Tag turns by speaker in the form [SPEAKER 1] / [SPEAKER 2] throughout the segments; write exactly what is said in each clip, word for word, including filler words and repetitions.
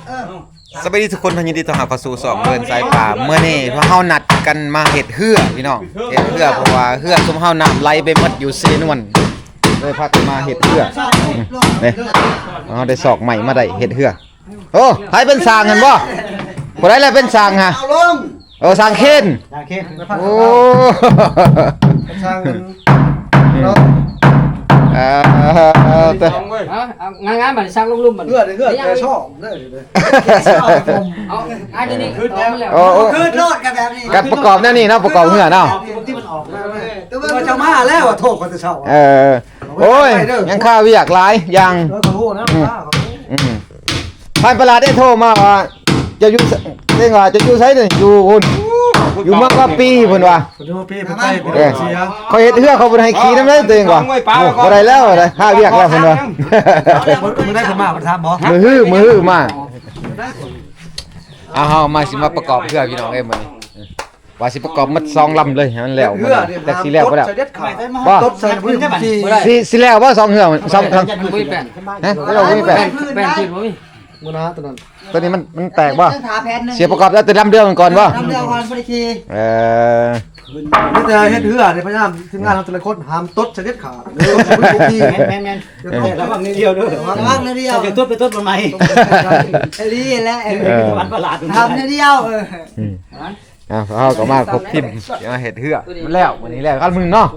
[SPEAKER 1] สวัสดีทุกคนยินดีต้อนรับเข้าสู่สองเดินสายป่าเมื่อนี้พวกเฮานัดกันมาเฮ็ดเหือพี่น้องเฮ็ดเหือเพราะว่าเหือซุมเฮาน้ำไหลไปหมดอยู่เซนวนเลยพากันมาเฮ็ดเหือนี่เฮาได้ศอกใหม่มาได้เฮ็ดเหือโอ้ไผเป็นสร้างกันบ่บ่ได้แล้วเป็นสร้างฮะเอาลงเออสร้างเคนสร้างเคนโอ้สร้างเนาะเออเต
[SPEAKER 2] งานงานมันสร้างลุ่มๆมัน
[SPEAKER 3] เลือดเลือดแต่ชอบเลือดเลย
[SPEAKER 2] เอาอันนี้ขึ้นแล้ว
[SPEAKER 1] โอ้
[SPEAKER 3] ขึ้นโลดกันแบบนี้
[SPEAKER 1] การประกอบแนวนี้เนาะประกอบเหือเนาะ
[SPEAKER 3] ที่มันออกแต่ว่าจะมาแล้วโทษคนจะเช่า
[SPEAKER 1] เออโอ้ยยังข้าวเวียกหลายยัง
[SPEAKER 3] ขอโทษนะ
[SPEAKER 1] อืมท่านประหลัดได้โทรมาว่าจะอยู่เรื่องว่าจะอยู่ไสนี่อยู่พุ่นอยู่มากกว่าปีพุ่นว่า
[SPEAKER 3] อยู่ปีเพิ่นไปเพิ่นเสีย
[SPEAKER 1] เขาเฮ็ดเฮือเขาบ่ให้ขี่นำเลยตัวเองว่าบ่ได้แล้วได้ข้าวเวียกแล้วเพิ่นว่า
[SPEAKER 3] มึงได้ขึ้นมาเพิ่นถามบ่
[SPEAKER 1] มือฮื้อมือฮื้อมาเอาเฮามาสิมาประกอบเฮือพี่น้องเอ้ยมื้อนี้ว่าสิประกอบมัดสองลำเลยให้มันแล้วแต่สิแล้วบ่แล้ว
[SPEAKER 3] บ่ตบใส่พื้น
[SPEAKER 1] สิสิแล้วบ่สองเฮือสองครั้งฮะเราบ่มีแป้น
[SPEAKER 2] แป้นขึ้นบ่มี
[SPEAKER 3] มื้อนะตัวนั้น
[SPEAKER 1] ตัวนี้มันมันแตกบ่เสียประกอบแล้วแต่ลำเดียวกันก่อนบ่
[SPEAKER 3] ลำเดียวก่อนบ่ได้ขี่
[SPEAKER 1] เออ
[SPEAKER 3] นี่แต่เฮ็ดเหือนี่พยายามทีมงานเราแต่ละคนห้ามตดเสด็จขาดแม่นๆระวังนิดเดียวเด้อระวังนิดเดียวจะตดไปตดบ่ใหม่ไอ้นี่แหละวันประหลาดทำนิดเดียวเออ
[SPEAKER 1] อ่าเฮาก็มาครบทีมมาเฮ็ดเหือมันแล้วมื้อนี้แล้วกันมึงเนาะ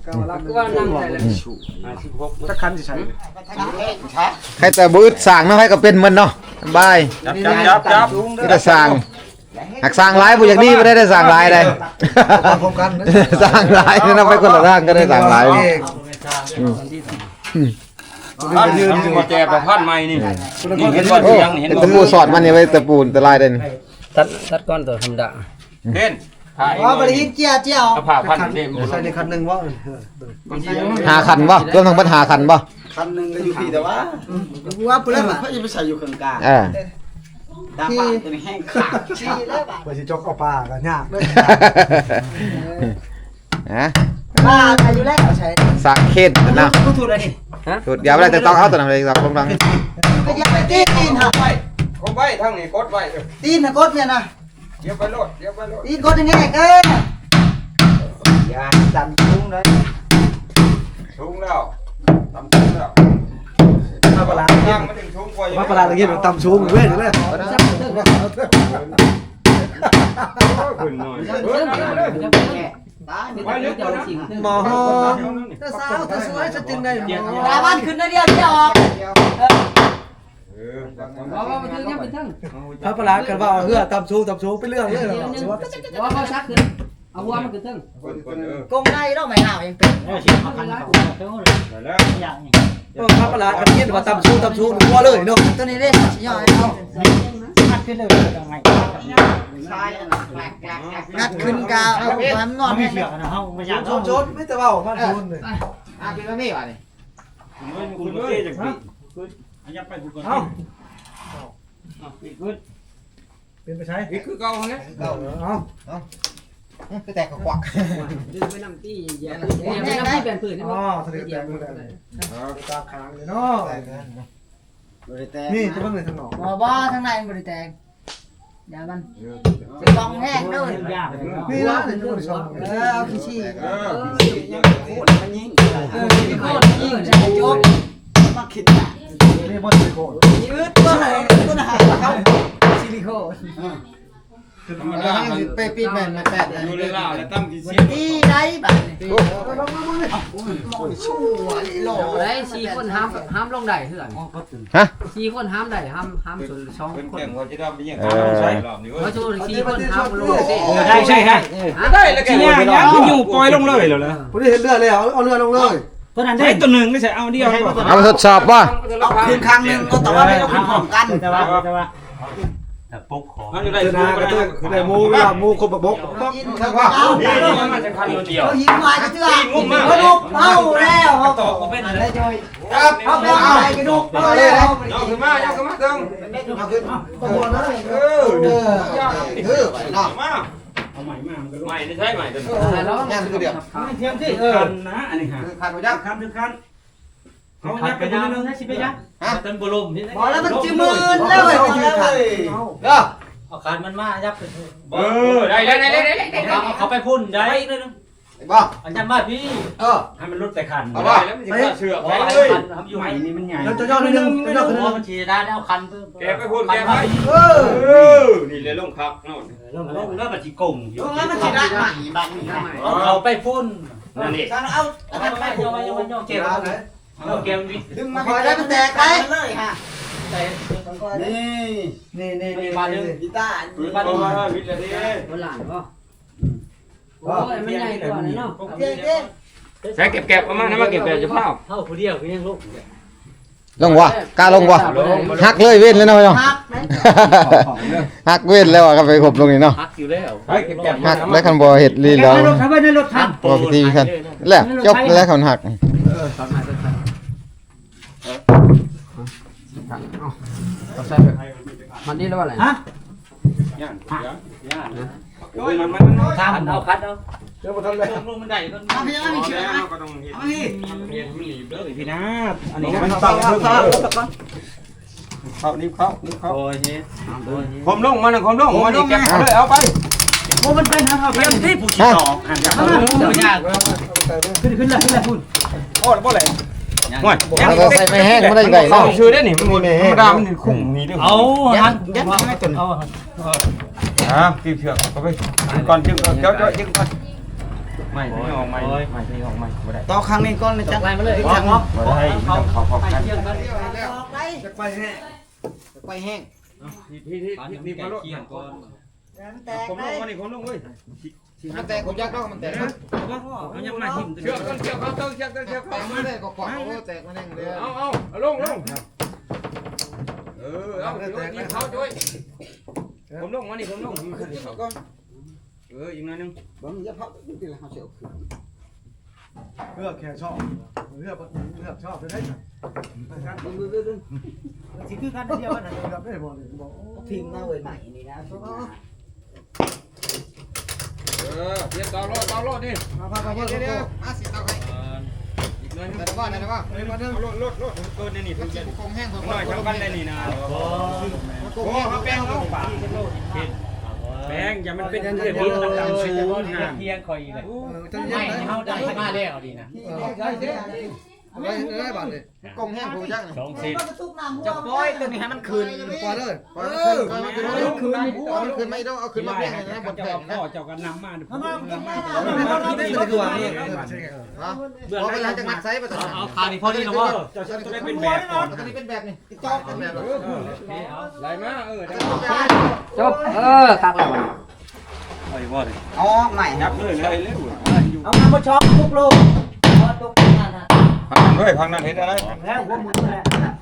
[SPEAKER 3] จักคันสิใช้
[SPEAKER 1] ใครแต่บ่อึดสร้างเนาะใครก็เป็นมันเนาะสบาย
[SPEAKER 4] จับจับ
[SPEAKER 1] นี่แต่สร้างหักสร้างหลายบ่อย่างนี้บ่ได้ได้สร้างหลายได้
[SPEAKER 3] พร้อมกัน
[SPEAKER 1] สร้างหลายนำไปคนละทางก็ได้สร้างหลายอืม
[SPEAKER 4] อืมยืนบ่แจกกับพันใหม่นี่นี่เห็นบ่ยังเห็นบ่
[SPEAKER 1] ตะปูสอดมันนี่ไว้ตะปูตะลายเด่น
[SPEAKER 2] ตัดตัดก้อนตัวธรรมดา
[SPEAKER 4] เห็น
[SPEAKER 3] อ๋อบริหินเจียเจียว
[SPEAKER 4] เอาผ้าพันเต็ม
[SPEAKER 3] ใส่ในคันนึงบ่
[SPEAKER 1] หาคันบ่รวมทั้งเบิดหาคันบ่
[SPEAKER 3] คันนึงก็อยู่ที่แต่ว่าว่าพุ่นแล้วเพิ่นสิไปใส่อยู่ข้างกลาง
[SPEAKER 1] เออ
[SPEAKER 3] ดาบ้านเป็นแห้งขาดชี้แล้วบ่บ่สิจกเอาปลาก็ยากเด้
[SPEAKER 1] อฮะ
[SPEAKER 3] ปลาใส่อยู่แล้วใช้
[SPEAKER 1] สักเข็ดนะ
[SPEAKER 3] ถูกแล้วนี่
[SPEAKER 1] ฮะถูกเดี๋ยวบ่ได้แต่ต้องเอาตัวนั้นไปสักลงดัง
[SPEAKER 3] ก็อย่าไปตีนหาไว้
[SPEAKER 4] กดไว้ทางนี้กดไว้
[SPEAKER 3] ตีนน่ะกดเนี่ยนะ
[SPEAKER 4] เดี๋ยวไปโลดเดี๋ยวไปโลด
[SPEAKER 3] ตีนกดยังไงเด้ออย่าดันสูงเลย
[SPEAKER 4] สูงแล้วต่ำสูงแล้ว
[SPEAKER 3] มาปลา
[SPEAKER 4] ย่างมาถึงสูงกว่า
[SPEAKER 3] มาปลาตะกี้มันต่ำสูงเว้ยเลย
[SPEAKER 4] ขึ้นหน่อย
[SPEAKER 3] หมอเธอสาวเธอสวยจะจึงได้
[SPEAKER 2] ตาบ้านขึ้นได้เดียวเดียวออก
[SPEAKER 3] พระประหลาดกันว่าเฮือตำชูตำชูไปเรื่องเลย
[SPEAKER 2] ว่าเขาชักขึ้นเอาหัวมันขึ้นทึ่ง
[SPEAKER 3] กงในเราไม่เอายังเป็นพระประหลาดกันยินว่าตำชูตำชูหัวเลยเนาะตัวนี้เล่นย่อยเอางัดขึ้นเลยงัดขึ้นกาเอาความงอนไม่เชื่อนะเฮาไม่อยากโจดไม่แต่ว่ามาชูนเลย
[SPEAKER 1] อ่ะกินแล้วนี่ว่ะนี่
[SPEAKER 4] คุณเอ้ยจังซี่อันยับไปกูก่อนเอ้าเอาอีกขึ้น
[SPEAKER 3] เป็นไปใช้
[SPEAKER 4] อีกคือเก่าเนี่ย
[SPEAKER 3] เก่าเอ้าเอ้าคือแตกกวัก
[SPEAKER 2] ดึงไปนำตี้แย่ไปนำตี้เปลี่ยนผืน
[SPEAKER 3] อ๋อทะเลแตกมือได้ตาค้างเลยเนาะนี่จะเบิ่งเลยทางนอก
[SPEAKER 2] บ่บ่ทางในมันบ่ได้แตกอย่ามันสิฟองแห้งเด้อ
[SPEAKER 3] นี่นะเดี๋ยวจะบ่ได้ชมเออเอาขี้ชี้
[SPEAKER 4] เออโคตรมันยิง
[SPEAKER 2] เออสิโคตรยิงใส่จบ
[SPEAKER 3] มาคิดนี่บ่สิโคตร
[SPEAKER 2] ยืดตัวไหนตัวไหนเข้าซิลิโคน
[SPEAKER 3] ธรรมดาไปปิดแม่นมาแปด
[SPEAKER 4] อยู่เลยล่ะแล้วตั้งกี่เสียง
[SPEAKER 2] ตีได้บัดนี่ชั่วหล่อได้สี่คนห้ามห้ามลงได้เถื่อน
[SPEAKER 1] ฮะ
[SPEAKER 2] สี่คนห้ามได้ห้ามห้ามส่วนสองคน
[SPEAKER 4] เป็นว่าจะทำเป็นอย่างนั้นใช่รอบนี้เว้ย
[SPEAKER 2] เพราะส่วนสี่คนห้ามลง
[SPEAKER 4] ได้ใช่ฮะได้แล้วแกอยู่ปล่อยลงเลยแล้วนะ
[SPEAKER 3] บ่ได้เห็นเรือเลยเอาเอาเรือลงเลย
[SPEAKER 4] ตัวนั้นได้ตัวนึงไม่ใช่เอาเดียว
[SPEAKER 1] เอาทดสอบบ่
[SPEAKER 3] คืนครั้งนึงก็แต่ว่าไม่ต้องคืนพร้อมกันแต่ว่าแต่ว่า
[SPEAKER 4] ปุ๊กของมันอยู่ได้
[SPEAKER 3] คือนาก็คือคือได้มูเวลามูคนบก
[SPEAKER 4] กินครับว่ามันจะคันเดียว
[SPEAKER 3] หินมาก็เชื่อกระดูกเผาแล้วเขาตอกเป็นอะไรจอยครับเอาไปเอากระดูกเผาแล้ว
[SPEAKER 4] ยกขึ้นมายกขึ้นมาตึง
[SPEAKER 3] เอาขึ้นตัวนั้นเออเออเออเนาะ
[SPEAKER 4] มาเอาใหม่มาใหม่ได้ใช่ใหม่ตึง
[SPEAKER 3] แล้วงานคือเดียว
[SPEAKER 4] เทียมที่เออนะอันนี้ค่ะ
[SPEAKER 3] คือคันไปยัก
[SPEAKER 4] คันคือคันเขายักไปยังนึงนะสิไปยักฮะ
[SPEAKER 2] เต็มบอลม
[SPEAKER 3] บอกแล้วมันจืดมืนแล้วเว้ย
[SPEAKER 5] คันมันมายับ
[SPEAKER 4] เออได้ได้ได้ได้ได้
[SPEAKER 5] เอาเขาไปพุ่นได้
[SPEAKER 3] บ่
[SPEAKER 5] อันยันมาพี่
[SPEAKER 3] เออ
[SPEAKER 5] ให้มันลุดไปคัน
[SPEAKER 4] เอาว่าแล้วมันจะเชือก
[SPEAKER 5] อ๋
[SPEAKER 4] ไป
[SPEAKER 5] อ
[SPEAKER 4] เลย
[SPEAKER 5] คันทำอยู่ไหนนี่มันใหญ่
[SPEAKER 3] แล้วจะย่อนิดนึงจะย่อขึ้นนิดนึง
[SPEAKER 5] มันฉีดได้แล้วคันเพิ่ม
[SPEAKER 4] แกไปพูดแกไป
[SPEAKER 3] เอ
[SPEAKER 4] เอ
[SPEAKER 3] อ
[SPEAKER 4] อนี่เลยลงพักโน่น
[SPEAKER 5] เริ่มแล้วแล้วมันจีกงอยู่
[SPEAKER 2] แล้วมันสิได้ใหม่บางนี่
[SPEAKER 5] เอาไปพุ่น
[SPEAKER 4] นั่นนี่
[SPEAKER 2] เอาเอา
[SPEAKER 5] เอาไปโยนโยนโยนเก็บเอาเก็บวิ
[SPEAKER 2] ดึงมาคอยได้มันแตกไปเลยฮะ
[SPEAKER 3] นี่นี่นี่นี่
[SPEAKER 5] มาดึง
[SPEAKER 2] กีตาร์
[SPEAKER 4] ปืนมามาวิทย์เลยดิ
[SPEAKER 6] บ่หลานบ่โอ้ยมันใหญ่กว่าเนาะ
[SPEAKER 2] เจ๊เจ๊
[SPEAKER 4] ใช้เก็บเก็บเอามานะมาเก็บเก็บจะเผา
[SPEAKER 5] เท่าผู้เดียวคือยังลูก
[SPEAKER 1] ลงวะกล้าลงวะหักเลยเว้นเลยเนาะพี่น้อง
[SPEAKER 2] ฮักไหม
[SPEAKER 1] หักเว้นแล้วอะก็ไปขบลงนี่เนาะ
[SPEAKER 5] พักอยู่แล้ว
[SPEAKER 4] ใช้เก็บเก็บ
[SPEAKER 1] หักแล้วคันบ่เฮ็ดลีแล้ว
[SPEAKER 3] ในรถครับในรถครับ
[SPEAKER 1] บ่พิธีคันแล้วจบแล้วคันหัก
[SPEAKER 6] มันนี่แล้วว่าอะไร
[SPEAKER 3] ฮะ
[SPEAKER 4] ย่านย่านย่านโอ้ยมันมันมัน
[SPEAKER 5] ข้ามเอาคัดเอา
[SPEAKER 3] เดี๋ยวบ่ทันเลย
[SPEAKER 5] ลงมันได้ก็
[SPEAKER 2] เอาพี่เอาพี่เชื่อไหม
[SPEAKER 4] ก็ต้องเห็น
[SPEAKER 2] เอาพี่
[SPEAKER 4] เห็นมันหลีบเลย
[SPEAKER 5] พี่นะอัน
[SPEAKER 4] นี่
[SPEAKER 5] นี้
[SPEAKER 4] มัน
[SPEAKER 5] นะ
[SPEAKER 4] เป่าเพิ่มเข้านี่เข้านี่เข้า
[SPEAKER 5] โอ้ยเฮ้ย
[SPEAKER 4] ผมลงมันผมลงมันนี่เก็บเลยเอาไป
[SPEAKER 3] โอ้มันเป็นทางเข้า
[SPEAKER 5] เตรียมที่ผู้ที่สองอันนี้ไม่ยาก
[SPEAKER 3] ขึ้นขึ้นเลยขึ้นเลยคุณ
[SPEAKER 4] โอ้บ่เลยห่วย
[SPEAKER 1] เอาก็ใส่ไม่แห้งบ่ได้ไง
[SPEAKER 4] เนาะ
[SPEAKER 1] เนาะ
[SPEAKER 4] ชื่อได้นี่มันธรรมดามันคุ้มนี่ด้วย
[SPEAKER 5] เอาฮัน
[SPEAKER 2] ยัดให้ตุน
[SPEAKER 5] เอา
[SPEAKER 4] อ่าตีเชือกเอาไปก่อนจึงเจ้าเจ้าจึงก่อนไม่ไม่ออกไม่ไม่ไม่ออกไม่บ่ได้
[SPEAKER 2] ต่อครั้งนี้ก้อนเลยจัง
[SPEAKER 5] ไล่มาเลย
[SPEAKER 2] จังเนาะ
[SPEAKER 4] บ่ได้ต้องขอขอบกัน
[SPEAKER 5] เยี่ยมกัน
[SPEAKER 2] ออกไป
[SPEAKER 3] จะไปแห้ง
[SPEAKER 2] ไปแห้ง
[SPEAKER 4] พี่พี่พี่นี่มาลด
[SPEAKER 5] ก่อน
[SPEAKER 2] มันแตก
[SPEAKER 4] ผม
[SPEAKER 2] ไป
[SPEAKER 4] ลงวันนี้ผมลงเว้ย
[SPEAKER 1] มันแตกผมยักดอกมันแตก
[SPEAKER 5] เอายังมาหิม
[SPEAKER 4] เชือกกันเชือกเขาเชือกเชือก
[SPEAKER 1] แต
[SPEAKER 4] เขา
[SPEAKER 1] กมาได้ก็กว่าโอ้แตกมาแน่เลย
[SPEAKER 4] เอาเอาเอาลงลงเออเอาตีเขาช่วยผมลงวันนี้ผมลงเอออีกหน่อยนึง
[SPEAKER 2] บ่มีจะพับอยู่ที่ละเฮาเสียวขึ้น
[SPEAKER 3] เลือกแค่ชอบเลือกเลือกชอบได้ไหม
[SPEAKER 2] สิคือกันเดียวกัน
[SPEAKER 3] เลือกได้บ่เลยบ่
[SPEAKER 2] พิมพ์มาเว้ยใหม่นี่นะ
[SPEAKER 4] เออเตรียมต่อรอต่อรอนี่
[SPEAKER 3] มาพาไป
[SPEAKER 1] เดี๋ยว
[SPEAKER 3] เดี๋
[SPEAKER 1] เดี๋
[SPEAKER 3] ย
[SPEAKER 1] ยว วมาสิเอาให้
[SPEAKER 4] อีกหน่อยนึง
[SPEAKER 1] แต่ว่าแต่ว่า
[SPEAKER 3] ไปมาเด้อ
[SPEAKER 4] รถรถรถเกินนี่
[SPEAKER 1] มัน
[SPEAKER 4] เพิ่ง
[SPEAKER 1] สิ
[SPEAKER 4] จะ
[SPEAKER 1] คงแห้ง
[SPEAKER 4] หน่อยชาวบ้านได้นี่นะโอ้เขาแป้งเขาป่าแป้งอย่ามันเป็นเรื่องพิษต่างๆเป็นเรื่องห่าง
[SPEAKER 5] เพียงคอยเลย
[SPEAKER 3] จะเย็
[SPEAKER 5] ไม่
[SPEAKER 3] นไหม
[SPEAKER 5] เขาได้มาแล้วดีนะ
[SPEAKER 3] ได้ได้ได้ได้บ้านเลย
[SPEAKER 1] คงแห้งผมยัก
[SPEAKER 5] สองสิบ
[SPEAKER 2] จะปล่อยตัวนี้ให้มันคืน
[SPEAKER 3] ปล่อยเลย
[SPEAKER 1] ปล่อยมันคืนปล่อยมันคืนเอามันคืนไม่ต้องเอาคืนมาเพียงนะบน
[SPEAKER 4] เจ้า
[SPEAKER 1] แผ่นนะ
[SPEAKER 4] พ่อเจ้ากันนำมา
[SPEAKER 3] คือว่านี่
[SPEAKER 1] เบื่อไปหลังจากนักไซส์ไปต่อ
[SPEAKER 5] เอาคาดิพอดีแล้วว่า
[SPEAKER 4] เจ้าจะได้เป็นแบบก่อน
[SPEAKER 1] ตอนนี้เป็นแบบนี้จอกเป็นแบบ
[SPEAKER 4] ไหลมาเออ
[SPEAKER 6] จบเออคักแล้วบ่
[SPEAKER 4] ไอ้บ่เลย
[SPEAKER 2] อ๋อใหม่
[SPEAKER 4] ยับเลยเลยเร็ว
[SPEAKER 2] เอามาบ่ช็อกทุกลูกพอทุกนั่นน่ะ
[SPEAKER 4] พังนั้นด้วยพังนั้นเห็นอะไร
[SPEAKER 2] แล้วหัวมือแหละ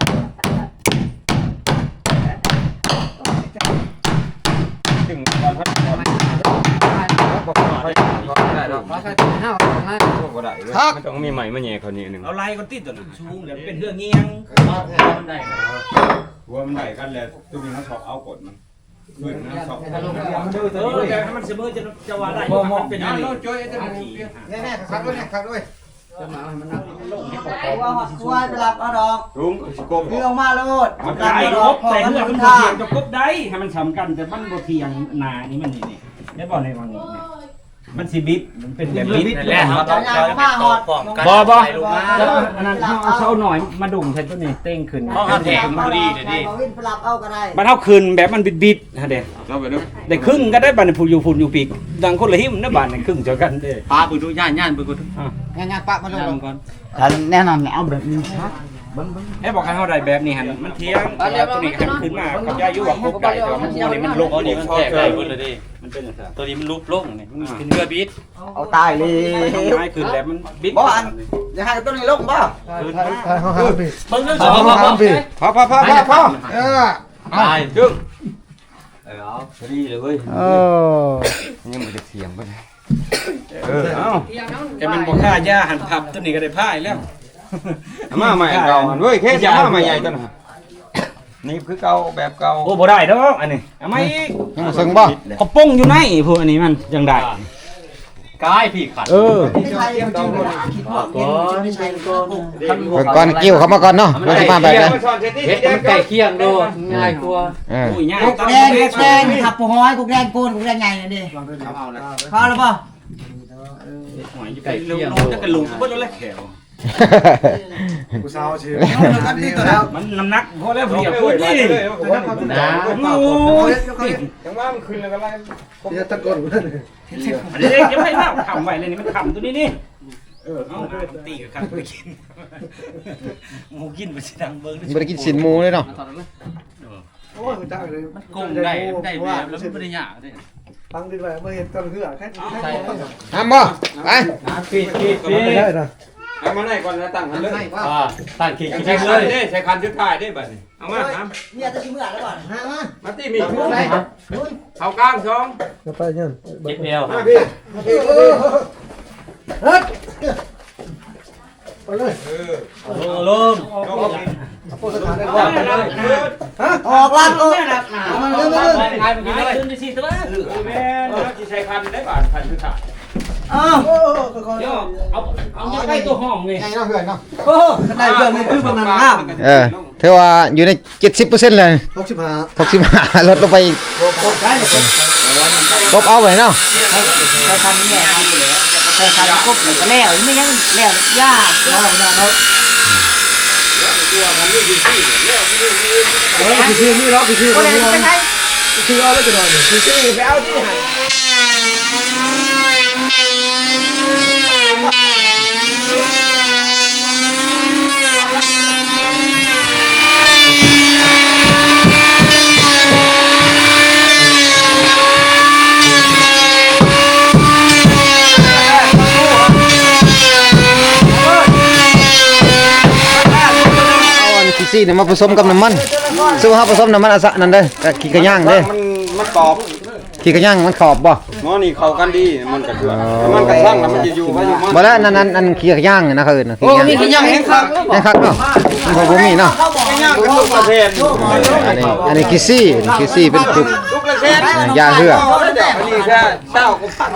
[SPEAKER 4] ถึงก่อนพัดก่อนบอกให้ได้หรอก
[SPEAKER 6] ขอใส่ถุงห้าวถุงห้า
[SPEAKER 4] บ่ได้เลยมันต้องมีใหม่มาแย่เขานี่นึง
[SPEAKER 5] เอาไล่ก็ติดตัวนั้นชูงเดี๋ยวเป็นเรื่องเงี้ยงมันได้
[SPEAKER 4] หัวมันได้กันแล้วตัวนี้เขาชอบเอากดมันเพื่อนนะชอบ
[SPEAKER 5] เออแต่ถ้ามันเสมอจะจะว่าได้มันเป็นอะไร
[SPEAKER 4] ช่วยจะ
[SPEAKER 1] แน่ๆครับด้วยครับด้วย
[SPEAKER 6] จะมาให้มันนั่ง
[SPEAKER 2] ว่าหอดควายไปรับเอาดอก
[SPEAKER 4] ลุงสิกบ
[SPEAKER 2] พี่ลงมาโลด
[SPEAKER 5] มันได้ครบแต่เมื่อมันเทียงจะครบได้ให้มันสำคัญแต่มันบ่เทียงนานี่มันนี่นี่ได้บ่ในวังนี้มันสิบิดมันเป็นแบบบิดนั่นแหละ
[SPEAKER 2] จะยางผ้าหอด
[SPEAKER 5] บ่บ่อันนั้นเอาเช้าหน่อยมาดุ่มใส่ตัวนี้เต้งขึ้น
[SPEAKER 2] เพราะเขาแถมพอดีเดี๋ยวนี้วินไปรับเอาก็ได้
[SPEAKER 5] มันเท่าคืนแบบมันบิดบิดฮะเด้
[SPEAKER 4] เข้าไปดู
[SPEAKER 5] ได้ครึ่งก็ได้บัดผู้อยู่ฝุ่นอยู่ปีกดังคนละหิมนะบัดนี่ครึ่งเจอกันเด้
[SPEAKER 6] ปลาบึกดูย่านย่านบึกดู
[SPEAKER 1] งานงานปะมาลง
[SPEAKER 5] ก่อน
[SPEAKER 2] แน่นอนเอาแบบนี้ครับ
[SPEAKER 5] ให้บอกให้เฮาได้แบบนี้หั่นมันเที่ยงตัวนี้หันขึ้นมากับยาอยู่ว่าครบได้แต่มันนี่มันลงนี่มันแตกได้เบิดเลยดิมันเป็นจังซั่นตัวนี้มันลุกลงนี่มันเป็นเรือบิด
[SPEAKER 2] เอาตายเลย
[SPEAKER 5] ง่ายขึ้นแล้วมันบิด
[SPEAKER 2] บ่อันจะให้ต้นนี้ลงบ่
[SPEAKER 3] เขาห้ามปี
[SPEAKER 5] เบิ่งเรื่อง
[SPEAKER 3] เขาห้ามปี
[SPEAKER 4] พอพอพอพอพอ
[SPEAKER 1] เออ
[SPEAKER 5] ตาย
[SPEAKER 4] จึง
[SPEAKER 5] เออเอาพอดีเลยเว้ย
[SPEAKER 1] เออ
[SPEAKER 4] ยังไม่ได้เสียงป่ะเออเอา
[SPEAKER 5] แกมันบ่ค่ายาหันพับตัวนี้ก็ได้พายแล้ว
[SPEAKER 4] มาใหม่เก่าหันเว้ยแค่จะมาใหม่ใหญ่ตัวน่ะนี่คือเก่าแบบเก่า
[SPEAKER 5] โอ้บ่ได้ดอกอันนี้เอามาอีก
[SPEAKER 1] ยังซึ่งบ่
[SPEAKER 5] เขาป้งอยู่ในพวกอันนี้มันยังได้กายพี่ขัด
[SPEAKER 1] เออ
[SPEAKER 3] ไม่ใช่มันจริงเลยคิดว่ากินไม่ใช่ก้อน
[SPEAKER 1] เบิ่งก่อนกิ้วเข้ามาก่อนเนาะมันสิมาแบบไหน
[SPEAKER 5] เฮ็ดมันไก่เคียงโดง่ายกว่า
[SPEAKER 1] เออ
[SPEAKER 5] โอ้ยง่าย
[SPEAKER 2] กุกแดงกุกแดงขับปูห้อยกุกแดงโกนกุกแดงใหญ่เลยดิพอแล้วป่ะ
[SPEAKER 5] หอยไก่เคียงโดจะกระลุงบ่แล้วแขว
[SPEAKER 3] กูเศร้าเชียว
[SPEAKER 5] มันน้ำหนักพอแล้วเพียบพูดนี่นะ
[SPEAKER 4] ยังว่ามันขึ้นแล้วก็ไล่
[SPEAKER 3] เดี๋ยวตะโกนกูเลย
[SPEAKER 5] อันนี้ยังไม่ภาพขำไว้เลยนี่มันขำตัวนี้นี่เออเอาตีกับกันไปกินหมูกินไปสิดังเบิ้ง
[SPEAKER 1] บ่ได้กินสินหมูเลยเนาะ
[SPEAKER 3] โอ้ยกูจ้างเลย
[SPEAKER 5] มันกงได้ได้แบบแล้วมันไม่ได้ยากเลย
[SPEAKER 3] ฟังดีไปเมื่อเห็นตอนเหือแค่แค่
[SPEAKER 1] ห้ามบ่ไป
[SPEAKER 5] ปีดปีดปีด
[SPEAKER 3] ได้นะ
[SPEAKER 4] เอามาไหนก่อนนะตั้งหันเลย
[SPEAKER 5] อ่าตั้งขีด
[SPEAKER 4] ใช้
[SPEAKER 5] ใช้
[SPEAKER 4] คั
[SPEAKER 5] เล
[SPEAKER 4] น
[SPEAKER 5] ย
[SPEAKER 4] ได้ใช้คันชุดท้ายได้บัดนี้เอามาครับ
[SPEAKER 2] เนี่ยจะชิมเมื่อแล้วก่อนฮะมา
[SPEAKER 4] มาตีมีเขากลางสอง
[SPEAKER 3] จะไปเนี่ย
[SPEAKER 5] เจ็บเอว
[SPEAKER 4] มาพี่
[SPEAKER 3] เฮ้ยไปเลย
[SPEAKER 4] เออ
[SPEAKER 5] ลง
[SPEAKER 3] โอ้สถานได้
[SPEAKER 4] เอา
[SPEAKER 3] ว่า
[SPEAKER 4] ไปเลย
[SPEAKER 2] ออกลัดเลย
[SPEAKER 5] มันเรื่องเรื่องไงมันกินอะไรขึ้นดิสิตัว
[SPEAKER 4] แม่ที่ใช้คันได้บาทคันชุดท้าย
[SPEAKER 2] อ้าว
[SPEAKER 3] โอ้ค่อย
[SPEAKER 5] เดี๋ยวเอาเอาใกล้ตัวห้องนี่
[SPEAKER 1] ไงเนาะเพื่อนเนาะ
[SPEAKER 3] ๆโอ้ได้เพื่อนนี่คือบางนันห้าม
[SPEAKER 1] เออถือว่าอยู่ในเจ็ดสิบเปอร์เซ็นต์เลย
[SPEAKER 3] หกสิบห้า
[SPEAKER 1] หกสิบห้าลดลงไปอีกลบเอาไว้เนาะ
[SPEAKER 2] ใช้คันนี้แหละใช้คันกบหรือก็แล้วไม่ยังแล้วยาก
[SPEAKER 3] ได้ไม่ได้แล้วเออคือชื่อนี่เนาะคือชื่อ
[SPEAKER 2] ก็
[SPEAKER 3] คน
[SPEAKER 2] เลย
[SPEAKER 3] นี้
[SPEAKER 2] เป็นไง
[SPEAKER 3] ชื่อเอาแล้วจะหน่อยคือชื่อไปเอาที่ไหน
[SPEAKER 1] เอาอันขี้ซี่เนี่ยมาผสมกับน้ำมันซึ่งว่าผสมน้ำมันอะสะนั่นเด้อกับขี้กระย่างเด้อ
[SPEAKER 4] มันมันกรอบ
[SPEAKER 1] ขี้กระย่างมันขอบบ่
[SPEAKER 4] หมอนี่เข้ากันดีมันกระเทือนมันกระทั่งแล้วมันจะอยู่ไว้อยู่มัน
[SPEAKER 1] บ่แล้วนั่นนั่นอันขี้กระย่างนะเขาเอิ้นนะขี้
[SPEAKER 2] โอ้
[SPEAKER 1] กระ
[SPEAKER 2] มี
[SPEAKER 1] ย่าง
[SPEAKER 2] ขยันแห้งครับ
[SPEAKER 1] แม่นคักเนาะมันบ่มีเนาะ
[SPEAKER 2] เขาบอกง่าย
[SPEAKER 4] เป็นลูกประเทศ
[SPEAKER 1] อันนี้อันนี้ขี้ซี่ขี้ซี่เป็นจุก
[SPEAKER 4] ลูกประเทศ
[SPEAKER 1] ยาเหือ
[SPEAKER 4] อันนี้แค่เจ้าก็พัน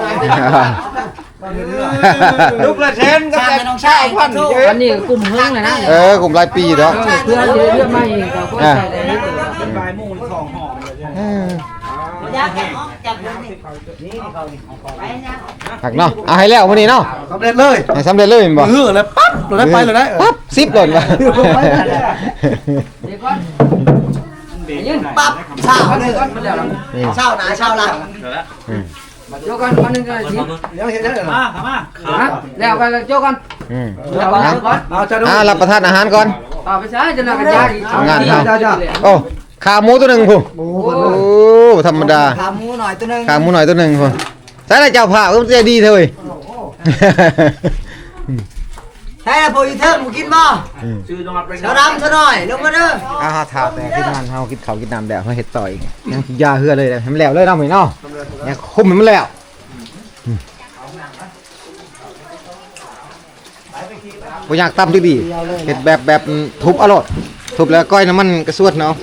[SPEAKER 4] ลูกประเทศก็
[SPEAKER 2] ชา
[SPEAKER 4] แต่
[SPEAKER 2] ติน้องชายพัน
[SPEAKER 6] อันนี้กลุ่มเฮิงเลยนะ
[SPEAKER 1] เออกลุ่มหลายปีเนาะ
[SPEAKER 6] เพื่อนเรื่องไม่ก็คนใส่ได้
[SPEAKER 5] เป็นปลายมูลของหอมเลย
[SPEAKER 1] เออ
[SPEAKER 2] อยากจับนี่ไปนะ
[SPEAKER 1] หักเนาะเอาให้แล้วมื้อนี้เนาะ
[SPEAKER 3] สำเร็จเลย
[SPEAKER 1] ให้สำเร็จเลยแม่นบ่
[SPEAKER 3] เหือแล้วปั๊บเราได้ไปเลยได้
[SPEAKER 1] ปั๊บสิบหล่นว่ะ
[SPEAKER 6] เดี๋ยวก่อน
[SPEAKER 2] ปั๊บเช้าเลย
[SPEAKER 6] มันแล้ว
[SPEAKER 1] นี่
[SPEAKER 2] เช้าหนาเช้าหลัง
[SPEAKER 6] โยกันคนนึงก็ชิ
[SPEAKER 3] ยังเห็นได้เหรอ
[SPEAKER 5] มามา
[SPEAKER 6] ฮะแล้วไปโยกัน
[SPEAKER 1] อืม
[SPEAKER 6] แล้วก่อนก่อน
[SPEAKER 3] เอาจะดู
[SPEAKER 1] อ่ารับประทานอาหารก่อน
[SPEAKER 6] ต่อไปใช้จะนำกันยาอีก
[SPEAKER 1] งาน
[SPEAKER 3] จ้า
[SPEAKER 1] เฮา
[SPEAKER 3] จ้า
[SPEAKER 1] โอ้ขาหมูตัวหนึงพุ่น
[SPEAKER 3] หมู
[SPEAKER 1] โอ้ธรรมดา
[SPEAKER 2] ขาหมูหน่อยตัวนึง
[SPEAKER 1] ขาหมูหน่อยตัวหนึงพุ่นใส่ละเจ้าผ้าก็ใจดีเถอะเว้ย
[SPEAKER 2] ใช่ละโปรยเทิร์หมูกินบ่
[SPEAKER 5] ชื่อจังหวัดเป็น
[SPEAKER 2] เช้าดำซะหน่อยลงมาเด้อ
[SPEAKER 1] อาหาถาแต่ที่งานเฮากินข้าวกินน้ำแล้วเฮาเฮ็ดต่ออีกยังยาเหือเลยให้มันแล้วเลยเนาะมื้อนี้เนาะยังคุมให้มันแล้วบ่อยากตำจังดีเฮ็ดแบบแบบทุบเอาโลดทุบแล้วก้อยน้ำมันกระสวดเนาะ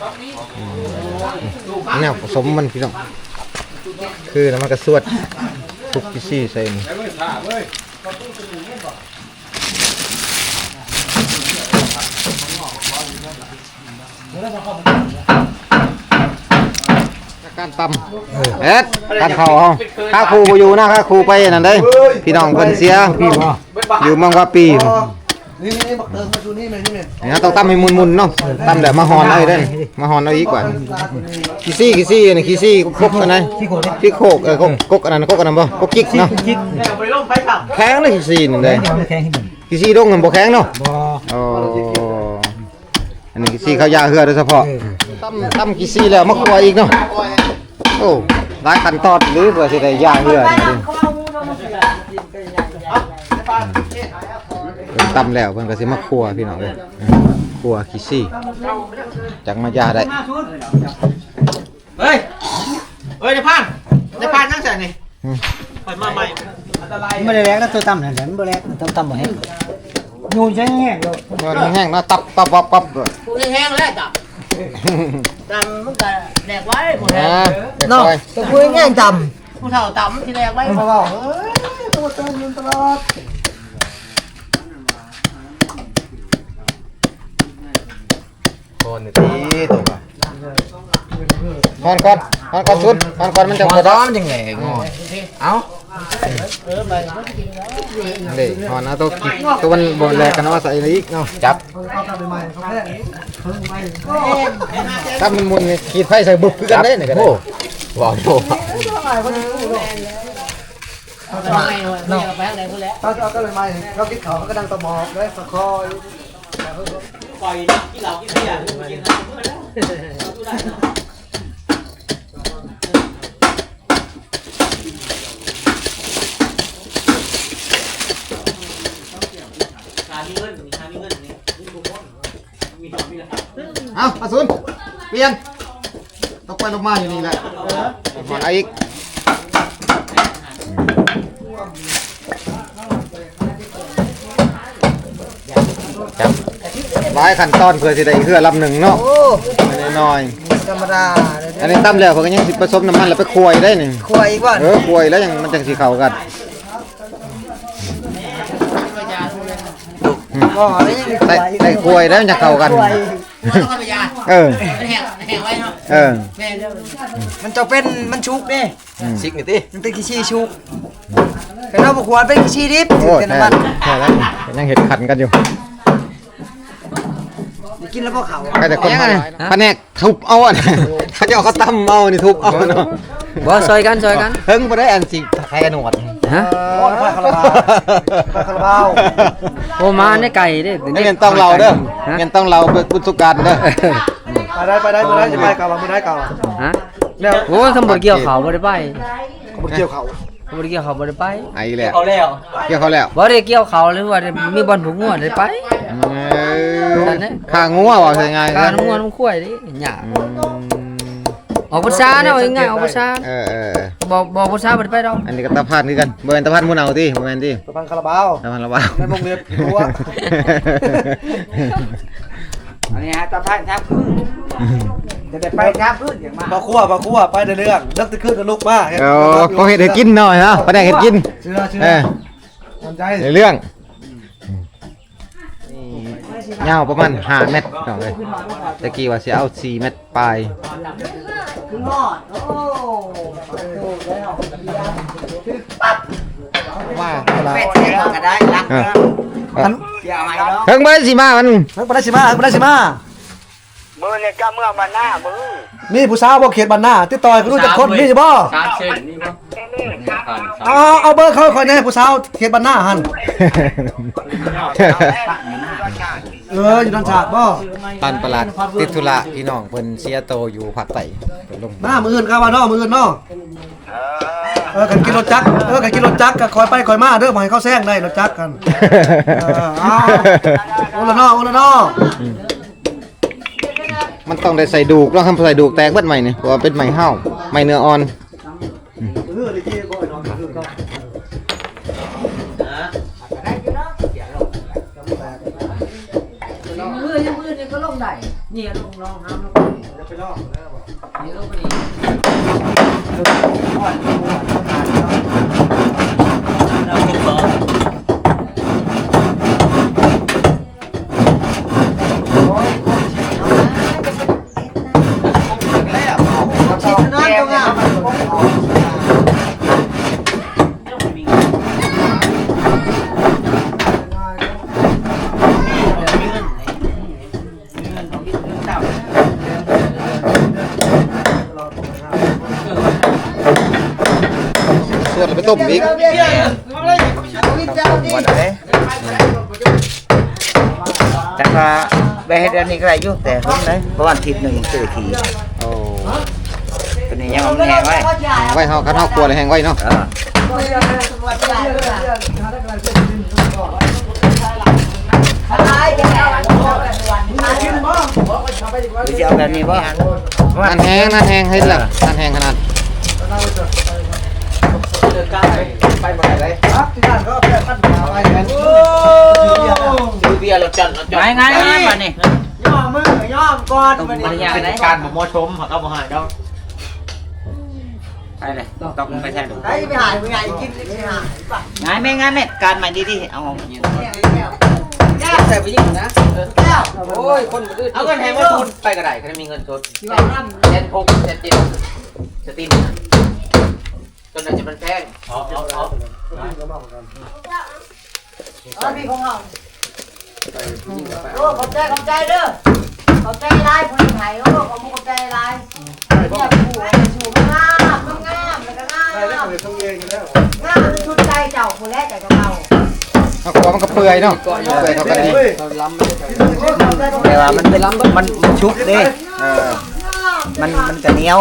[SPEAKER 1] แนวผสมมันพี่น้องคือน้ำมันกระสวดทุบพิซี่ใส่นี่การตำเอ็ดการเข่าเฮาข้าครูบ่อยู่นะข้าครูไปนั่นเด้พี่น้องเพิ่นเสียอยู่เมืองว่าปี
[SPEAKER 3] นี่นี่บักเติมมาดูนี่เลยนี่เลย
[SPEAKER 1] นี่ต้องตำให้มุนๆเนาะตำแบบมาหอนเอาอีกเด้อมาหอนเอาอีกกว่าขี้ซี่ขี้ซี่นี่ขี้ซี่กกอันนั้นขี้โคกเออกกกกอันนั้นกกอันนั้นบ่กกกิ๊กเนาะแข็งเลยขี้ซี่นี่เลยขี้ซี่ดงมันบ่แข็งเนาะอ๋ออันนี้ขี้ซี่เขายาเหือโดยเฉพาะตำตำขี้ซี่แล้วมาคั่วอีกเนาะโอ้หลายขั้นตอนหรือเพื่อสิได้ยาเหือนี่เพิ่นตำแล้วเพิ่นก็สิมาคั่วพี่น้องเอ้ยคั่วขี้ซี่จักมายาได้
[SPEAKER 4] เฮ้ยเฮ้ยในพานในพานนั่งใส่นี่ไปมาใหม่
[SPEAKER 3] ไม่ได้แรงก็ตัวต่ำนั่นแหละไม่ได้แรงตัวต่ำบ่แห้งยูนใช้แห้งเลย
[SPEAKER 1] มันแห้งนะตับตับปับปับเลย
[SPEAKER 2] กูแห้งแล้วจับจำมันก็แดกไว้หมด
[SPEAKER 1] นะ
[SPEAKER 2] เนาะตัวกูแห้งจำผู้เฒ่าจำที่แดกไว้
[SPEAKER 3] เพราะว่าเต้นยืนตลอด
[SPEAKER 1] คนตีตกอ่ะฮอนก่อนฮอนก่อนสุดฮอนก่อนมันจะบ่ร้อนยังไงงอเอ้าเด้ฮอนเอาตัวกิตัวมันบ่แลกกันว่าใส่อีกเนาะจับถ้ามันมุนนี่ขีดไฟใส่บึกคือกันได้นี่ก็ได้ว้าวโห
[SPEAKER 2] เอาไปเอาไปอะไรพูดแล้ว
[SPEAKER 3] เขาเอาก็เลยมาเขาคิดเขาก็ดังตะหมอกเลยตะคอย
[SPEAKER 5] ปล่อยกินเหล้ากินเบียร์กิน
[SPEAKER 1] เอาอาซุนเปลี่ยนตกไปลงมาอยู่นี่แหละฮอนเอาอีกจับหลายขั้นตอนเพื่อสิได้เฮือลำหนึ่งเนาะน้อย
[SPEAKER 3] ธรรมดา
[SPEAKER 1] ๆอันนี้ตั้มแล้วเพิ่นก็ยังสิผสมน้ำมันแล้วไปคั่วอีกได้หนึ่ง
[SPEAKER 3] ควยอีกว่า
[SPEAKER 1] เออคั่วอีกแล้วยังมันจังสิเข้ากัน
[SPEAKER 3] อ๋อนี่ยัง
[SPEAKER 1] ได้ได้คั่วอีกแล้วมันจะเข้ากันเออ
[SPEAKER 2] แห้งแห้งไว้เนาะ
[SPEAKER 1] เออ
[SPEAKER 2] แม่เด้อ
[SPEAKER 3] มันจะเป็นมันชุกนี่
[SPEAKER 1] ซิกนี่ติ
[SPEAKER 3] มันเป็นขี้ชี้ชุกเป็นเอาบกหวานเป็นขี้ชี้ดิบ
[SPEAKER 1] โอ้
[SPEAKER 3] เป็น
[SPEAKER 1] แท้
[SPEAKER 3] น้ำมัน
[SPEAKER 1] แท้แล้วยังเห็ดขันกันอยู่
[SPEAKER 3] กินแล้วพวกเขา
[SPEAKER 1] ใครแต่คนแผนกทุบเอาอ่ะเขาจะเอาเขาตั้มเอานี่ทุบเอาเนาะ
[SPEAKER 6] บ่ซอยกันซอยกัน
[SPEAKER 1] เฮิงบ่ได้อันสิใครกันหนวด
[SPEAKER 6] ฮะ
[SPEAKER 3] โอ้ยคาราบาวคาราบาว
[SPEAKER 6] โอ้มาในไก่เด้
[SPEAKER 1] นี่เงินต้องเราเด้อเงินต้องเราเป็นบุญสุการเด้อ
[SPEAKER 3] ไปได้ไปได้ไปได้จะไปกับเราไม่ได้กับ
[SPEAKER 6] ฮะ
[SPEAKER 3] แล้ว
[SPEAKER 6] โอ้ยคำบ่เกี่ยวเขาบ่ได้ไป
[SPEAKER 3] บุกเกี่ยวเขา
[SPEAKER 6] คำบ่เกี่ยวเขาบ่ได้ไป
[SPEAKER 1] ไอ้แหละ
[SPEAKER 5] เขาแล้ว
[SPEAKER 1] เกี่ยวเขาแล้ว
[SPEAKER 6] บ่ได้เกี่ยวเขาหรือว่ามีบ่อนผูกงัวได้ไป
[SPEAKER 1] ข้างัวว่าใช่ไง
[SPEAKER 6] การน้ำงัวน้ำข้วยดิหยาออกภาษาเนาะง่ายๆออกภาษา
[SPEAKER 1] เออเออ
[SPEAKER 6] บ่บ่ภาษาบ่ได้ไปดอก
[SPEAKER 1] อันนี้ก็ตาพานคือกันบ่แม่นตาพานมุ่นเอาติบ่แม่นติ
[SPEAKER 3] ตะพันคาราบาว
[SPEAKER 1] ตาพานละว่า
[SPEAKER 3] ในวงเล็บตัว
[SPEAKER 5] อันนี้ฮะตะพันครับจะได้ไปครับพื้นอย่างมาก
[SPEAKER 3] มาคั่วมาคั่วไปในเรื่องเลิกตะขึ้นนะลูกมา
[SPEAKER 1] เออเขาเฮ็ดให้กินหน่อยฮะแผนกเฮ็ดกิน
[SPEAKER 3] เชื่อเชื่อ
[SPEAKER 1] เออ
[SPEAKER 3] ทำใจ
[SPEAKER 1] ในเรื่องยาวประมาณห้าเมตรเอาเลยตะกี้ว่าสิเอาสี่เมตรปลาย
[SPEAKER 2] ขึ้นหอดโอ้
[SPEAKER 1] ว่า
[SPEAKER 2] เป็ดแห้งก็ได้รัก
[SPEAKER 1] เออ
[SPEAKER 3] มัน
[SPEAKER 2] เดี๋ยวเอาให้เนาะ
[SPEAKER 1] เพิ่งบ่ได้สิมามัน
[SPEAKER 3] เฮ้ยมาได้สิมาเฮ้ยมาได้สิมา
[SPEAKER 4] มือเนี่ยก็เมื่อมาหน้ามือ
[SPEAKER 3] มีผู้สาวบ่เขตบ้านหน้าติดต่อยก็รู้จักคนมีบ่
[SPEAKER 5] ชาร์จเส้นนี่ป่ะ
[SPEAKER 3] เอาเอาเบอร์เขาคอยแน่ผู้สาวเขตบ้านหน้าหั่นเอออยู่ทางชาติบ่
[SPEAKER 1] ปันประหลาดติดธุระพี่น้องเพิ่นเสียโตอยู่ภาคใต้เพิ่นลง
[SPEAKER 3] หน้ามืออื่นเข้ามาเนาะมืออื่นเนาะเออกันกินรถจักรเออกันกินรถจักรก็คอยไปคอยมาเด้อบ่ให้เขาแซงได้รถจักรกันเออเอาโอละเนาะโอละเนาะ
[SPEAKER 1] มันต้องได้ใส่ดูกเนาะทำใส่ดูกแตกเบิดใหม่นี่เพราะว่าเป็นใหม่เห่าใหม่เนื้ออ่อน
[SPEAKER 3] เออได้ที่บ่เนาะเออเนาะ
[SPEAKER 2] มือยังมือนี่ก็ลงได้นี่ลงลองน้ำลง
[SPEAKER 3] ไปเนาะ
[SPEAKER 2] นี่ลงไปนี่
[SPEAKER 3] ชิดนั่นตรงอ่ะ
[SPEAKER 1] ส่วนไปต้มอีก
[SPEAKER 4] วันไหนแต่ว่าไปเฮ็ดอันนี้ก็ได้อยู่แต่เพิ่นเลยเพราะวันอาทิตย์หนึงยังซื้อที
[SPEAKER 1] โอ้
[SPEAKER 4] ตัวนี้ยังเอามันแห้งไว้
[SPEAKER 1] ไว้เฮาคันเฮาครัวเลยแห้งไว้เนาะ
[SPEAKER 4] เออ
[SPEAKER 3] กินบ่
[SPEAKER 4] หรือจะเอาแบบนี้บ่
[SPEAKER 1] นั่นแห้งนั่นแห้งให้ล่ะนั่นแห้งขนาด
[SPEAKER 3] ไปบ่ได้ครับที่นั่นก็เอาไปปั้นมาไว้กันโอ้
[SPEAKER 4] ซื้อเบียร์รถจันทร์รถจันทร์
[SPEAKER 5] ไงไงไงมานี่
[SPEAKER 3] ย่อมือย่อมก่อน
[SPEAKER 5] ต้อง
[SPEAKER 3] มัน
[SPEAKER 5] บริยา
[SPEAKER 3] นี่
[SPEAKER 5] ได้การบ่เหมาะสมเขาก็บ่ให้ดอก
[SPEAKER 4] ไป
[SPEAKER 5] ช่เลยต้องไปใช่ดู
[SPEAKER 3] ไอ้ไปหายไปหายกินไปหาย
[SPEAKER 2] งานไม่งานเนี่ยการใหม่ดีๆเอา
[SPEAKER 6] ใส่ไปยิ่งนะ
[SPEAKER 5] โอ้ยคนอื่นเอาเงินให้มาทุนไปก็ได้เขามีเงินสดเจ็ดหกเจ็ดเจ็ดจะตีนจนอาจจะมันแพงอ๋ออ๋ออ๋อ
[SPEAKER 2] เอาพี่ของเราโอ้ขอบใจขอบใจเด้อขอบใจลายผู้ไทยโอ้ขอบขอบใจลายเนี่ยผู้ชูงามงามแล้วก็งามงามชุดใจเจ้าผู้แรกใจกับเรา
[SPEAKER 1] เอาขวมันก็เปื่อยเนาะเปื่อยเท่ากันนี่
[SPEAKER 2] แต่ว่ามันเป็นมันมันชุบเด้มันมันกระเหนียว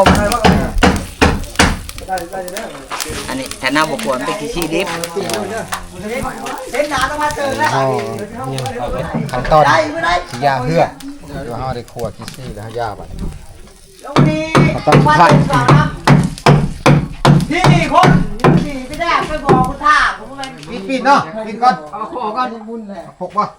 [SPEAKER 2] อันนี้แทนน้ำบกวนเป็นขี้ดิบเส้นหนาต้องมาเจอแล้ว
[SPEAKER 1] ขั้นตอนสิย่าเหือเดี๋ยวเฮาได้คั่วกิซี่แล้วย่าบัด
[SPEAKER 2] ตรงนี้ว่าเป็นสองน้ำพี่นี่คนพี่ไม่ได้ไปบอกคุณท่าผมก็เป็น
[SPEAKER 1] ปิดปิดเนาะปิดก่อน
[SPEAKER 3] เอาขอก่อนบุญแหละ
[SPEAKER 1] หกป่ะ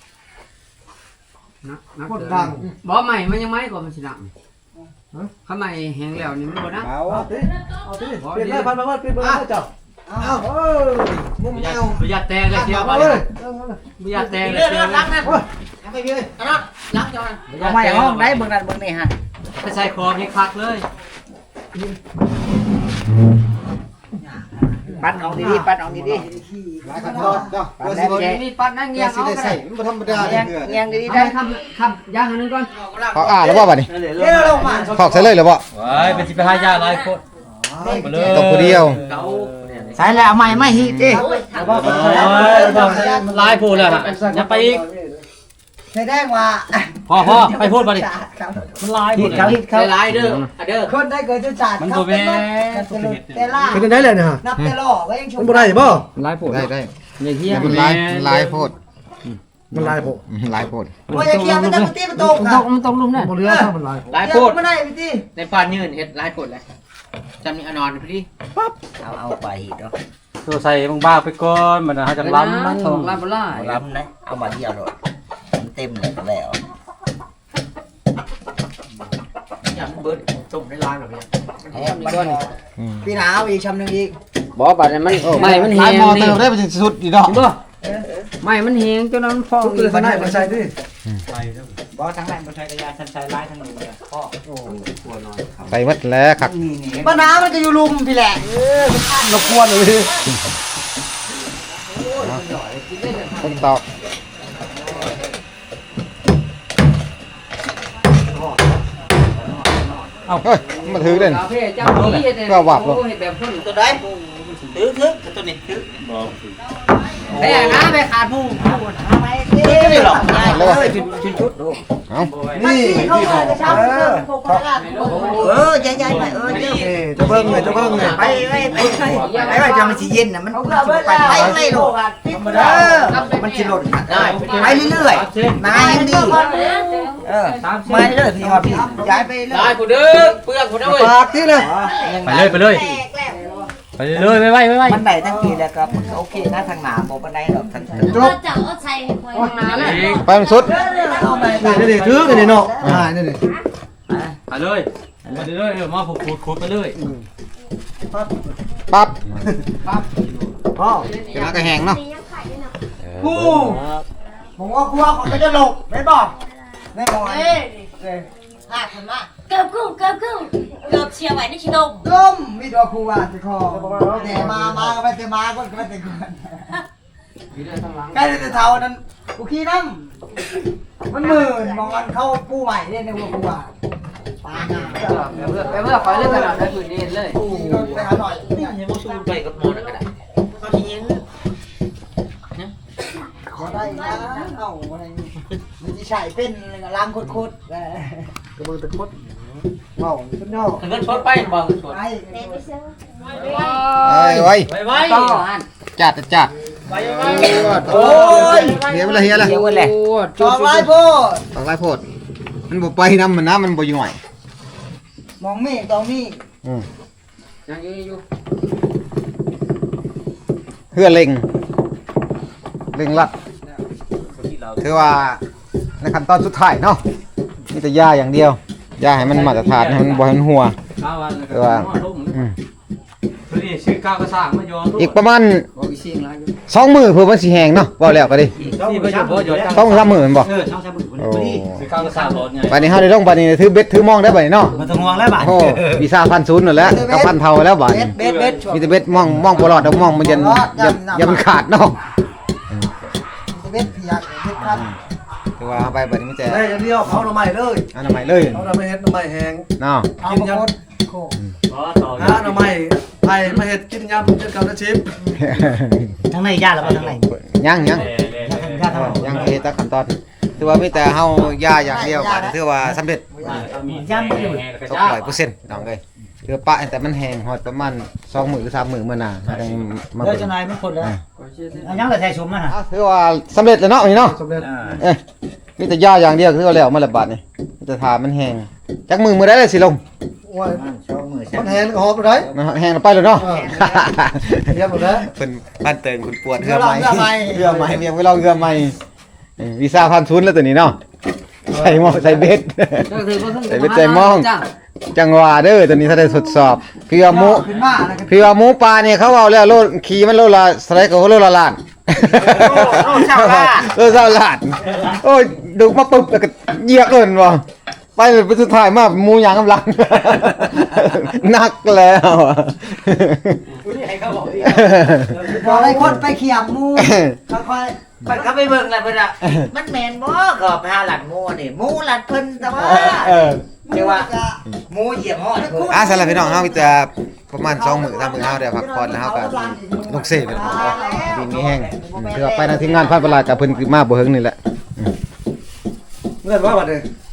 [SPEAKER 3] คนดัง
[SPEAKER 6] บ่ใหม่มันยังไม่ก่อนมันสิดังข้างในแห้งแล้วนี่มันบ่นะ
[SPEAKER 3] เอาติเอาติเปลี่ยนเลยพันพันพันเปลี่ยนเบอร์เจ้าเอาเออมุมแนว
[SPEAKER 6] บ่อยากแตกเลยเดียว
[SPEAKER 3] เอา
[SPEAKER 6] บ่
[SPEAKER 3] เลย
[SPEAKER 6] อยากแตกเลย
[SPEAKER 2] เรื่
[SPEAKER 6] เดียว
[SPEAKER 2] องล้างนะ
[SPEAKER 3] ไปพี่เลย
[SPEAKER 2] ล้างจอนเอาไม่ห้องได้เบิ่งนั่นเบิ่งนี่ฮะ
[SPEAKER 6] ไปใส่คอให้คักเลย
[SPEAKER 2] ปั้นออกดีๆปั้นออกดี
[SPEAKER 1] หลายขั้นตอนเนาะ
[SPEAKER 2] ๆปั้นแล้วแก
[SPEAKER 6] นี่ปัดนั่งเงีย
[SPEAKER 1] เงี้ย
[SPEAKER 6] บ
[SPEAKER 1] สิ
[SPEAKER 6] เอา
[SPEAKER 1] ได้
[SPEAKER 6] ก็
[SPEAKER 1] ใส่
[SPEAKER 6] ได้
[SPEAKER 1] มันบ่ธรรมดา
[SPEAKER 2] เงียง
[SPEAKER 1] เหือ
[SPEAKER 2] เงียงดีๆ
[SPEAKER 6] ได้
[SPEAKER 2] ได้
[SPEAKER 6] คำคำย่างอันนึงก่อน
[SPEAKER 1] เขาอ่าแล้วบ่บัดนี้
[SPEAKER 2] เดี๋ยวลงมา
[SPEAKER 1] ถอกใส่เลยหรือบ่
[SPEAKER 5] ว้ายเป็นสิไปหายาหลายคนไปเลย
[SPEAKER 1] ตกผู้เดียว
[SPEAKER 2] ใส่แล้วใหม่ไม่ฮีดิ
[SPEAKER 5] มันลายพูดเลยฮะอย่าไปอีก
[SPEAKER 2] แสดงว่า
[SPEAKER 5] พ่อพ่อไปพูดมาดิมันลายพูดเลย
[SPEAKER 6] ใส่ลายเด้ออ่ะเด้อ
[SPEAKER 2] คนได้เกิดจุดจัด
[SPEAKER 5] มันบ่แม่
[SPEAKER 2] แต่ล่า
[SPEAKER 3] เป็นได้เลยนะฮะ
[SPEAKER 2] นับแต่ล่อก็ยังช
[SPEAKER 3] มัน
[SPEAKER 2] ม
[SPEAKER 3] บ่ได้บ่
[SPEAKER 6] ลายโผล่
[SPEAKER 1] ได้ได้
[SPEAKER 6] อย่าเฮีย
[SPEAKER 1] มันลายมันลายโพด
[SPEAKER 3] มันลายผม
[SPEAKER 1] อืมลายโพด
[SPEAKER 2] ว่าจะเคลียร์มันจะตีมันตก
[SPEAKER 6] มัน
[SPEAKER 2] ค่ะ
[SPEAKER 6] ตกมันตกลุมเนี่ย
[SPEAKER 3] บ่เรือถ้ามันลายผม
[SPEAKER 6] ลาย
[SPEAKER 2] เค
[SPEAKER 6] โพ
[SPEAKER 2] ลีย
[SPEAKER 6] ด
[SPEAKER 2] ร์ไม่ได้พี่ตี
[SPEAKER 6] ในปานยืนเฮ็ดลายโพดเลยจำนี่อนอนพี่
[SPEAKER 2] เอาเอาไปเนาะ
[SPEAKER 5] ตัวใส่บางบ้าไปก่อนมันนะจะล้ำมัน
[SPEAKER 6] สองลายบ่ลาย
[SPEAKER 2] รับนะเอามาเดียวเลยมันเต็มเลยแล้ว
[SPEAKER 6] อย่าเบิดต้มในลายแบบนี้
[SPEAKER 1] อืม
[SPEAKER 2] พี่หนาวอีกชำหนึ่งอีก
[SPEAKER 6] บ่บัดนี้มันไม่มัน
[SPEAKER 1] ลา
[SPEAKER 6] แห้
[SPEAKER 1] ย
[SPEAKER 6] ง
[SPEAKER 1] มอ
[SPEAKER 6] นี่
[SPEAKER 1] เติมได้ไปถึงสุดอีดอก
[SPEAKER 6] บ่ไม่มันแห้งจนมันฟอง
[SPEAKER 3] ทุกตัวข้างในมันใส่ดิ
[SPEAKER 2] บอทั้งแรงบอใช้กระยาทันใช้ไล่ทั้งหนึ่งเลยพ่อ
[SPEAKER 1] ใส่หมดแล้วครับ
[SPEAKER 2] ป้าน้ามันก็อยู่ลุมพี่แหละ
[SPEAKER 3] รบกวนเลย
[SPEAKER 1] ต้นตอก
[SPEAKER 5] เอา
[SPEAKER 1] เฮ้ยมาถือเด่น
[SPEAKER 6] กาแฟเจ้านี้เฮ็ดแบบคน
[SPEAKER 2] ตัวได้ถือถือตัวนี้ถือ
[SPEAKER 6] แต่นะไปขาดผู้
[SPEAKER 2] ไม่ถือหรอก
[SPEAKER 1] แล้ววะ
[SPEAKER 6] ชุดชุดดู
[SPEAKER 1] เอ้า
[SPEAKER 3] นี่ที่ของเออ
[SPEAKER 2] เออใหญ่ๆหน่อยเออเดี๋ยว
[SPEAKER 3] นี่จะเบิ่งเลยจะเบิ่งเลย
[SPEAKER 2] ไปไปไปไปไปไปจะมันสิเย็นนะมันไปไปไม่หรอกเออมันสิหล่นได้ไปเรื่อยๆนายดีเออไม่เรื่อยพี่ครับพี่ย้ายไปเรื่
[SPEAKER 6] ลา
[SPEAKER 2] อย ย
[SPEAKER 6] กูเด้อเปลือกกูเด้อเว้ย
[SPEAKER 3] ปากที่เลย
[SPEAKER 5] ไปเลยไปเลยไปเลยไปไปไปไป
[SPEAKER 2] มันได้ทั้งทีแล้วครับโอเคนะทางหนาบอกมันได้หรอกทาง
[SPEAKER 3] จบ
[SPEAKER 7] จับเอาใส่ให้คอย
[SPEAKER 6] นานแล้ว
[SPEAKER 1] ไปมันสุด
[SPEAKER 3] นี่นี่ถือกันนี่เนาะอ่านี่นี่
[SPEAKER 5] ไปเลยไปเลยเออมาผูกขูดไปเลย
[SPEAKER 1] ปั๊บ
[SPEAKER 3] พ่อ
[SPEAKER 1] เดี๋ยวมันก็แห้งเนาะ
[SPEAKER 7] นี่ยังขายด้วยนะ
[SPEAKER 2] กูผมว่ากลัวเขาจะหลบไม่บอกไม่บอก
[SPEAKER 7] เอ้ยลากมันมาเกือบกู้เกือบกู้เกือบเชียร์ไว้ในชิดง
[SPEAKER 2] ล้มมีตัวครูว่าจะคอแต่มามาก็ไปแต่มาก็ไปแต่ก่อนใกล้จะเท่านั้นกูขี้น้ำมันหมื่นมองกันเข้าปูใหม่เนี่ยในวัวกูว่าปาหน้า
[SPEAKER 6] เพื่อไปเพื่อคอยเล่นตลอดในพื้นที่เลย
[SPEAKER 2] ปูไปหาหน่อย
[SPEAKER 6] ให้บ่สู้ไปกับหมดก็ได้
[SPEAKER 2] เขาทีนี้ก็ได้นะเอาอะไรมันจะใช่เป็นล้างโคตรๆ
[SPEAKER 3] กระเบื้องตะคดเมาสุดยอด
[SPEAKER 6] เงินชดไปบ่เงินชด
[SPEAKER 2] ไอ้
[SPEAKER 7] เด็กไปซื้อ
[SPEAKER 1] เอ้ยไว้
[SPEAKER 6] ไปไว้
[SPEAKER 2] ต่ออัน
[SPEAKER 1] จัดจัด
[SPEAKER 2] โอ้ย
[SPEAKER 1] เฮียไปเลยเฮียเลย
[SPEAKER 2] จองลายโพด
[SPEAKER 1] ตอกลายโพดมันบ่ไปน้ำมันน้ำมันบ่ย่อย
[SPEAKER 2] มองมีตองมี
[SPEAKER 1] อืม
[SPEAKER 6] ยังอยู่
[SPEAKER 1] เพื่อเล็งเล็งลัดคือว่าในขั้นตอนสุดท้ายเนาะมีแต่ยาอย่างเดียวยาให้มันมาตรฐานให้มันบ่ให้มันหัว
[SPEAKER 5] ข้าววัน
[SPEAKER 1] คือว่าอืม
[SPEAKER 4] ข้าวก็สร้างมาโยน
[SPEAKER 1] อีกประมาณ
[SPEAKER 6] บ่อีเสียงหลายอยู่
[SPEAKER 1] สองมื้อเพื่อมันสิแห้งเนาะเว้าแล้วก็ดิ
[SPEAKER 5] ที่ประโยชน์บ่โยน
[SPEAKER 1] สองสามมื้อแม่นบ่
[SPEAKER 3] เออช่องใช้มือคน
[SPEAKER 1] โอ้
[SPEAKER 3] นี้
[SPEAKER 5] คือข้าวก็สร้างรถไง
[SPEAKER 1] บัดนี้เฮาได้ลงบัดนี้ถือเบ็ดถือมองได้บัดนี้เนาะ
[SPEAKER 3] มันต้องห่วงแล้วบาด
[SPEAKER 1] โอ้วีซ่าพันศูนย์นั่นแหละกับพันเท่าแล้วบัด
[SPEAKER 2] เบ็
[SPEAKER 1] นี้
[SPEAKER 2] ดเบ็ดเบ็ด
[SPEAKER 1] มีแต่เบ็ดมองมองบ่รอดดอกมองมันยันยันยันมันขาดเนาะ
[SPEAKER 2] เบ็ดเพียกเบ็ดคัน
[SPEAKER 1] ถือว่าเอาไปบัดนี้มันจะ
[SPEAKER 3] ได้อย่างเดียวเผาหน่อไม้เลย
[SPEAKER 1] อันนั้นใหม่เลย
[SPEAKER 3] เผาหน่อไม้เฮ็ดหน่อไม้แห้ง
[SPEAKER 1] เนาะ
[SPEAKER 2] เอามาโคตรโค
[SPEAKER 3] หาหน่อไม้ไผ่มาเฮ็ดกินยำจนกับน้ำชิป
[SPEAKER 2] ทั้งในญาติแล้วก็ทั้งใน
[SPEAKER 1] ยังยัง
[SPEAKER 2] ญาติทั้ง
[SPEAKER 1] ยังเฮ็ดแตะขั้นตอนถือว่ามีแต่เฮาย่าอย่างเดียวบัดนี้ถือว่าสำเร็จ
[SPEAKER 2] ย่ำไม่อยู่
[SPEAKER 1] ตกร้อยเปอร์เซ็นต์น้องเอ้ยคือปะแต่มันแห้งฮอดประมาณสองมื้อหรือสามมื้อมื้อหน้าได้มา
[SPEAKER 2] เดี๋ยว
[SPEAKER 1] เบิ่ง
[SPEAKER 2] จะนายมันคนแล้วอันยังแต่ใส่ชุมนะฮะ
[SPEAKER 1] อ่ะถือว่าสำเร็จแล้วเนาะนี่เนาะ
[SPEAKER 3] สำเร็จ
[SPEAKER 1] เอ้ยมีแต่ย่าอย่างเดียวคือว่าแล้วมาละบาดนี่มีแต่ทามันแห้งจักมือมื้อใดเลยสิลง
[SPEAKER 3] โอ้ยมันแห้งก็หอบไปได้
[SPEAKER 1] มันแห้งแล้วไปแล้วเนาะ
[SPEAKER 3] เรียบหมดแล้ว
[SPEAKER 1] เพิ่นบ้านเติงคุณปวดเหือไหมเหือไหมเมียงไว้เราเหือไหมเอ้ยวีซ่าพันศูนย์แล้วตัวนี้เนาะใส่หม้อใส่เบ็ด
[SPEAKER 6] จักถือบ่ถึง
[SPEAKER 1] ใส่เบ็ดใส่หม้องจังหวะเด้อตัวนี้ถ้าได้ทดสอบเพื่อหมู
[SPEAKER 2] ขึ้นมาแล้วก็
[SPEAKER 1] เพื่อหมูปลาเนี่ยเขาเอาแล้วโลขี่มันโลละสไลด์ก็โลละล้าน
[SPEAKER 2] โลเช่าล้าน
[SPEAKER 1] โลเช่าล้านโอ้ยดูมาปุ๊บแล้วก็เหยียบเลยว่ะไปเลยไปสุดท้ายมาหมูยางกำลัง นักแล้วอะ
[SPEAKER 2] พอไอ้คนไปเขียมมูค่อย
[SPEAKER 8] มันก็ไปเบิ่งแล้วเพิ่นอ่ะมันแม่นบ่ก็ไปหาหลัดหมูนี่หมูหลัดเพิ่นแต่ว่า
[SPEAKER 1] เออ
[SPEAKER 2] ๆ
[SPEAKER 8] เรียกว่าหมูเหยียบฮอดเพิ่น
[SPEAKER 1] อ่ะสำหรับพี่น้องเฮามีแต่ประมาณสองมื้อสามมื้อเฮาได้พักผ่อนแล้วเฮาก็ลงเสกกันดีมีแห้งอืมคือว่าไปทางทีมงานพันประหลาดกับเพิ่นคือมาบ่เฮิงนี่แหละ
[SPEAKER 3] เงินว่าบาดเลย